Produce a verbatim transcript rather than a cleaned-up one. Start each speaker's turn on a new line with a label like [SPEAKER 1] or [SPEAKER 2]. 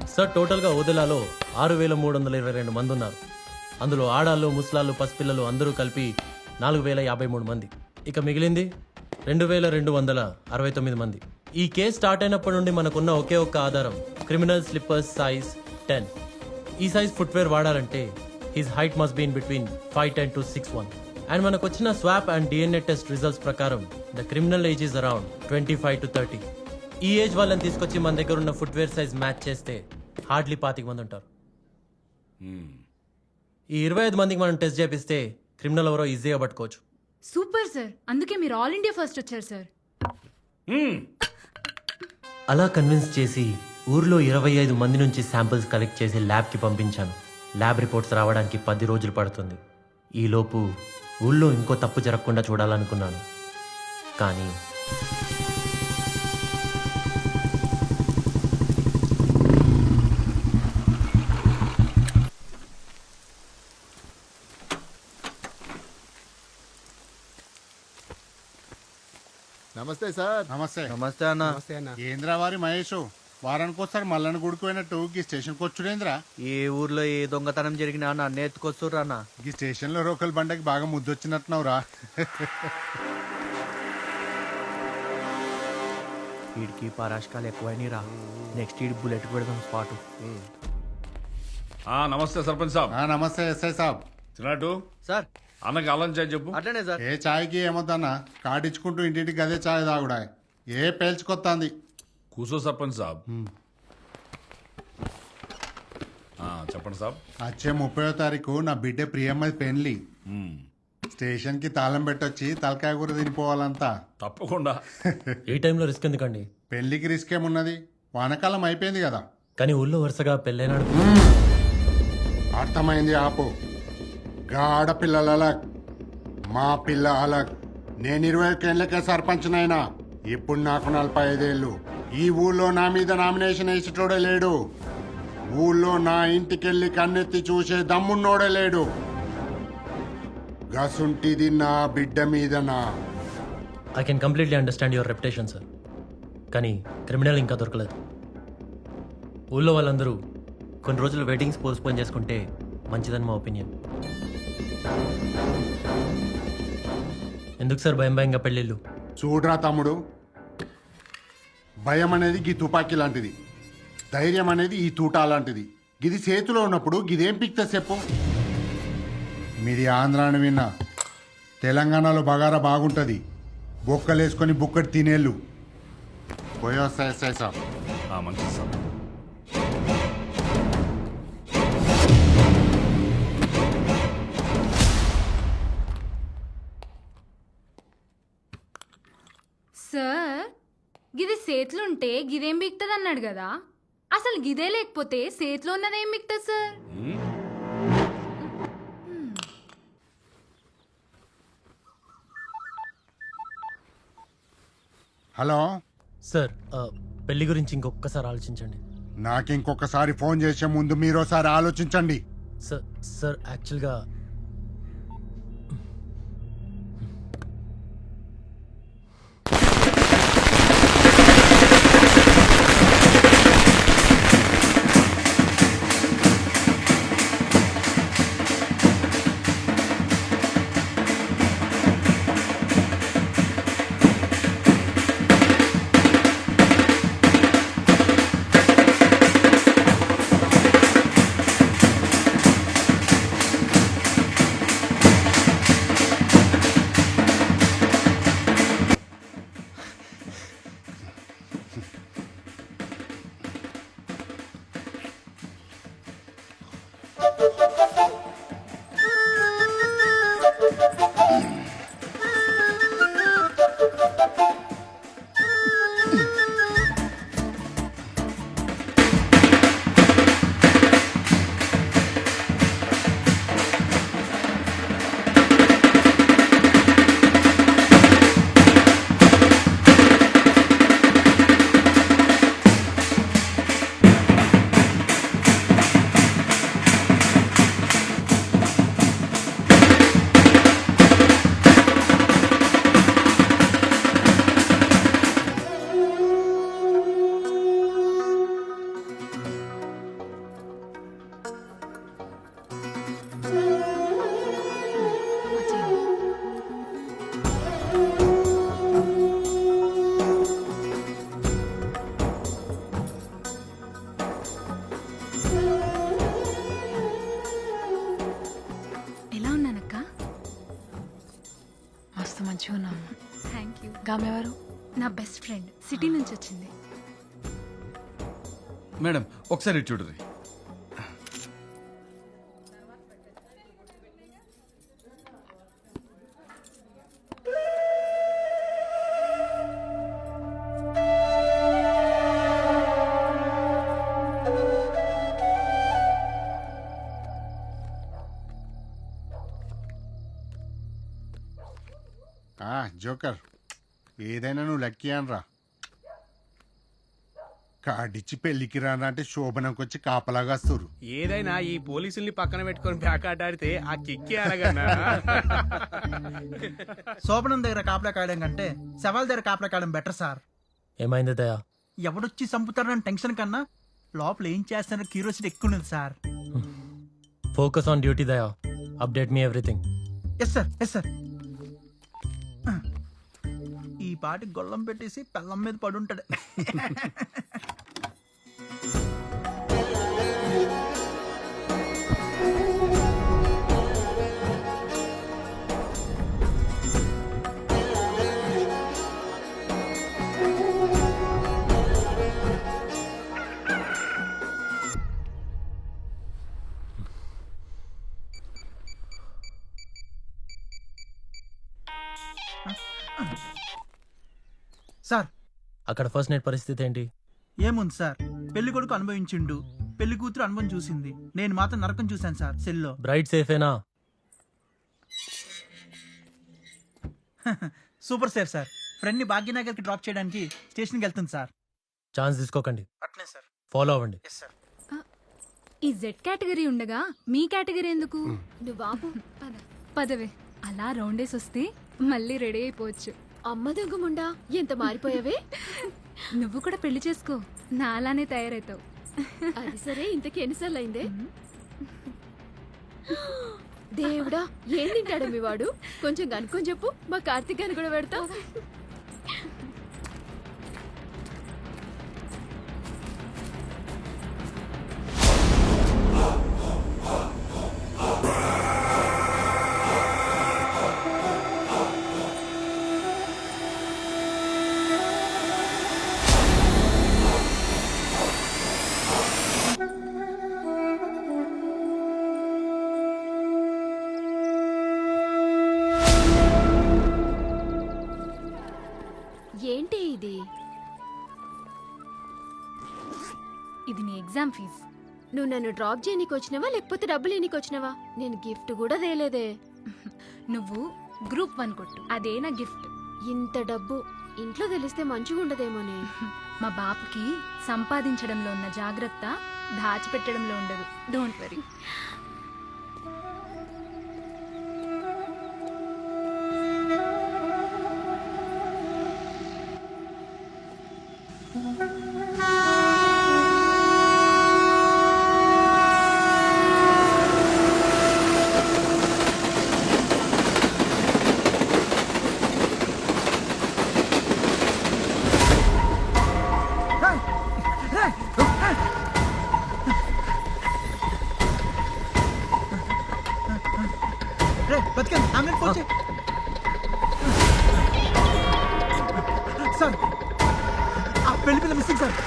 [SPEAKER 1] Sir టోటల్గా ఓదెలాలో ఆరు వేల మూడు వందల ఇరవై రెండు మంది ఉన్నారు. అందులో ఆడాళ్ళు, ముసలాళ్ళు, పసిపిల్లలు అందరూ కలిపి నాలుగు వేల యాభై మూడు మంది. ఇక మిగిలింది రెండు వేల రెండు వందల అరవై తొమ్మిది మంది. ఈ కేసు స్టార్ట్ అయినప్పటి నుండి మనకున్న ఒకే ఒక్క ఆధారం క్రిమినల్ స్లిప్పర్స్ సైజ్ టెన్. ఈ సైజ్ ఫుట్వేర్ వాడాలంటే his height must been between five ten to six one. And మనకు వచ్చిన swab and DNA test results ప్రకారం the criminal age is around twenty five to thirty. ఈ age వాళ్ళని తీసుకొచ్చి మన దగ్గర ఉన్న ఫుట్వేర్ సైజ్ మ్యాచ్ చేస్తే హార్డ్లీ పాతిక మంది ఉంటారు. ఈ ఇరవై ఐదు మందికి మనం టెస్ట్ చేపిస్తే క్రిమినల్ ఎవరో ఈజీగా పట్టుకోవచ్చు.
[SPEAKER 2] సూపర్ సార్, అందుకే మీరు ఆల్ ఇండియా ఫస్ట్ వచ్చారు సార్.
[SPEAKER 1] అలా కన్విన్స్ చేసి ఊర్లో ఇరవై ఐదు మంది నుంచి శాంపిల్స్ కలెక్ట్ చేసి ల్యాబ్కి పంపించాను. ల్యాబ్ రిపోర్ట్స్ రావడానికి పది రోజులు పడుతుంది. ఈలోపు ఊళ్ళో ఇంకో తప్పు జరగకుండా చూడాలనుకున్నాను. కానీ
[SPEAKER 3] నమస్తే సార్.
[SPEAKER 4] నమస్తే
[SPEAKER 5] నమస్తే అన్న.
[SPEAKER 3] నమస్తే అన్న.
[SPEAKER 4] ఏంద్రా వారి మహేష్ వారానికి వస్తారు మల్లన్న గుడికి పోయినట్టు ఈ స్టేషన్కి వచ్చుడేంద్రా?
[SPEAKER 5] ఏ ఊర్లో ఏ దొంగతనం జరిగినా నన్ను ఎత్తుకొస్తుర్రు అన్న.
[SPEAKER 4] ఈ స్టేషన్లో రోకల్ బండకి బాగా ముద్దొచ్చినట్టున్నావురా.
[SPEAKER 5] వీడికి పరాష్కాలు ఎక్కువైనా రా. నెక్స్ట్ ఈడి బుల్లెట్ పెడదాం స్పాట్.
[SPEAKER 6] ఆ, నమస్తే సర్పంచ్ సాబ్.
[SPEAKER 4] ఆ, నమస్తే ఎస్ఐ సాబ్.
[SPEAKER 6] తిన్నట్టు
[SPEAKER 5] సార్
[SPEAKER 6] అన్నకి అల్లం చాయ్ చెప్పు.
[SPEAKER 5] అట్లనే సార్.
[SPEAKER 4] ఏ చాయ్కి ఏమొద్దన్నా కాటించుకుంటూ ఇంటింటికి అదే చాయ్ తాగుడా. ఏ పేల్చుకొత్తాంది.
[SPEAKER 6] కూసో సర్పంచ్ సాబ్. ఆ, చెప్పండి సాబ్.
[SPEAKER 4] వచ్చే ముప్పయో తారీఖు నా బిడ్డ ప్రియమ్మది పెళ్లి.
[SPEAKER 6] మ్మ్.
[SPEAKER 4] స్టేషన్కి తాళం పెట్టొచ్చి తలకాయ కూర తినిపోవాలంతా.
[SPEAKER 6] తప్పకుండా.
[SPEAKER 1] ఈ టైంలో రిస్క్ ఎందుకండి?
[SPEAKER 4] పెళ్లికి రిస్క్ ఏమున్నది, వానకాలం అయిపోయింది కదా.
[SPEAKER 1] కానీ ఊళ్ళో వరుసగా పెళ్ళైనాడు.
[SPEAKER 4] అర్థమైంది ఆపు. గా ఆడపిల్లల అలగ్, మా పిల్ల అలగ్. నేను ఇరవై ఒకేళ్ళకే సర్పంచ్నైనా. ఇప్పుడు నాకు నలభై ఐదేళ్ళు. ఈ ఊళ్ళో నా మీద నామినేషన్ వేసేటోడే లేడు. ఊళ్ళో నా ఇంటికెళ్ళి కన్నెత్తి చూసే దమ్మున్నోడే లేడు. గసుంటిది నా బిడ్డ మీదనా.
[SPEAKER 1] I can completely understand your reputation sir. కానీ క్రిమినల్ ఇంకా దొరకలేదు. ఊళ్ళో వాళ్ళందరూ కొన్ని రోజులు వెడ్డింగ్స్ పోస్ట్పోన్ చేసుకుంటే మంచిదని మా ఒపీనియన్. ఎందుకు సార్ భయం భయంగా పెళ్ళిళ్ళు?
[SPEAKER 4] చూడరా తమ్ముడు, భయం అనేది గీ తుపాకీ లాంటిది, ధైర్యం అనేది ఈ తూటా లాంటిది. గిది చేతిలో ఉన్నప్పుడు గిదేం పిక్తా చెప్పు. మీది ఆంధ్ర అని విన్నా, తెలంగాణలో బగారా బాగుంటుంది. బొక్కలేసుకొని బుక్కటి తినేళ్ళు. పోయొస్తాయి ఎస్ఐ సాబ్.
[SPEAKER 6] ఆ, మంచిది సాబ్.
[SPEAKER 2] సార్, గిది సేతులుంటే గిదేం బిక్తుంది అన్నాడు కదా. అసలు గిదే లేకపోతే సేతులో ఉన్నదేం బిక్తుంది సార్?
[SPEAKER 6] మ్మ్.
[SPEAKER 4] హలో
[SPEAKER 1] సార్ ఆ, పెళ్లి గురించి ఇంకొకసారి ఆలోచించండి.
[SPEAKER 4] నాకు ఇంకొకసారి ఫోన్ చేసే ముందు మీరోసారి ఆలోచించండి.
[SPEAKER 1] సార్ సార్ యాక్చువల్గా
[SPEAKER 7] గామెవరు?
[SPEAKER 2] నా బెస్ట్ ఫ్రెండ్ సిటీ నుంచి వచ్చింది.
[SPEAKER 8] మేడం ఒకసారి ఇటు చూడరి.
[SPEAKER 4] ఆ, జోకర్ ఏదైనా నువ్వు లక్కీ అనరా. కాడిచ్చి పెళ్లికి రానా అంటే శోభనంకి వచ్చి కాపలాగా వస్తురు.
[SPEAKER 5] ఏదైనా ఈ పోలీసుల్ని పక్కన పెట్టుకొని బ్యాక్ ఆట ఆడితే ఆ కిక్కి అలాగన్నా.
[SPEAKER 9] శోభనం దగ్గర కాపలా కాయడం కంటే శవాల దగ్గర కాపలా కాయడం బెటర్ సార్.
[SPEAKER 1] ఏమైంది దయా?
[SPEAKER 9] ఎవడొచ్చి చంపుతారని టెన్షన్ కన్నా లోపల ఏం చేస్తారో క్యూరియాసిటీ ఎక్కువ ఉంది sir.
[SPEAKER 1] Focus on duty Daya. Update me everything.
[SPEAKER 9] Yes sir, yes sir. ఈ పాటి గొల్లం పెట్టేసి పెళ్ళం మీద పడుంటాడు. సార్
[SPEAKER 1] అక్కడ ఫస్ట్ నైట్ పరిస్థితి ఏంటి?
[SPEAKER 9] ఏముంది సార్, పెళ్లి కొడుకు అనుభవించిండు, పెళ్లి కూతురు అనుభవం చూసింది, నేను మాత్రం నరకం చూశాను సార్ సెల్లో.
[SPEAKER 1] బ్రైట్ సేఫేనా?
[SPEAKER 9] Super sir. సార్ ఫ్రెండ్ని భాగ్యనగర్కి డ్రాప్ చేయడానికి స్టేషన్కి వెళ్తుంది సార్.
[SPEAKER 1] ఛాన్స్ తీసుకోకండి,
[SPEAKER 9] అట్నే సార్.
[SPEAKER 1] ఫాలో అవ్వండి.
[SPEAKER 9] Yes sir.
[SPEAKER 2] ఈ జెడ్ కేటగిరీ ఉండగా మీ కేటగిరీ ఎందుకు?
[SPEAKER 7] నువ్వు బాబు
[SPEAKER 2] పద పదవే. అలా రౌండేసి వస్తే మళ్ళీ రెడీ అయిపోవచ్చు.
[SPEAKER 7] అమ్మ దొంగముండా ఎంత మారిపోయావే.
[SPEAKER 2] నువ్వు కూడా పెళ్లి చేసుకో, నా అలానే తయారవుతావు.
[SPEAKER 7] అది సరే, ఇంతకి ఎన్నిసార్లు అయిందే? దేవుడా, ఏం తింటాడు మీ వాడు? కొంచెం కనుక్కొని చెప్పు, మా కార్తీక్ అని కూడా పెడతావు. ఏంటి ఇది?
[SPEAKER 2] ఇది నీ ఎగ్జామ్ ఫీజ్.
[SPEAKER 7] నువ్వు నన్ను డ్రాప్ చేయనీకి వచ్చినావా లేకపోతే డబ్బులు ఎన్నికి వచ్చినావా? నేను గిఫ్ట్ కూడా తేలేదే.
[SPEAKER 2] నువ్వు గ్రూప్ వన్ కొట్టు, అదే నా గిఫ్ట్.
[SPEAKER 7] ఇంత డబ్బు ఇంట్లో తెలిస్తే మంచిగా ఉండదేమోనే.
[SPEAKER 2] మా బాపుకి సంపాదించడంలో ఉన్న జాగ్రత్త దాచిపెట్టడంలో ఉండదు. Don't worry.
[SPEAKER 9] రే బతికండి, అంబులెన్స్ ఫోన్ చేయి. సార్ ఆ పెళ్లి పిల్ల మిస్సింగ్ సార్.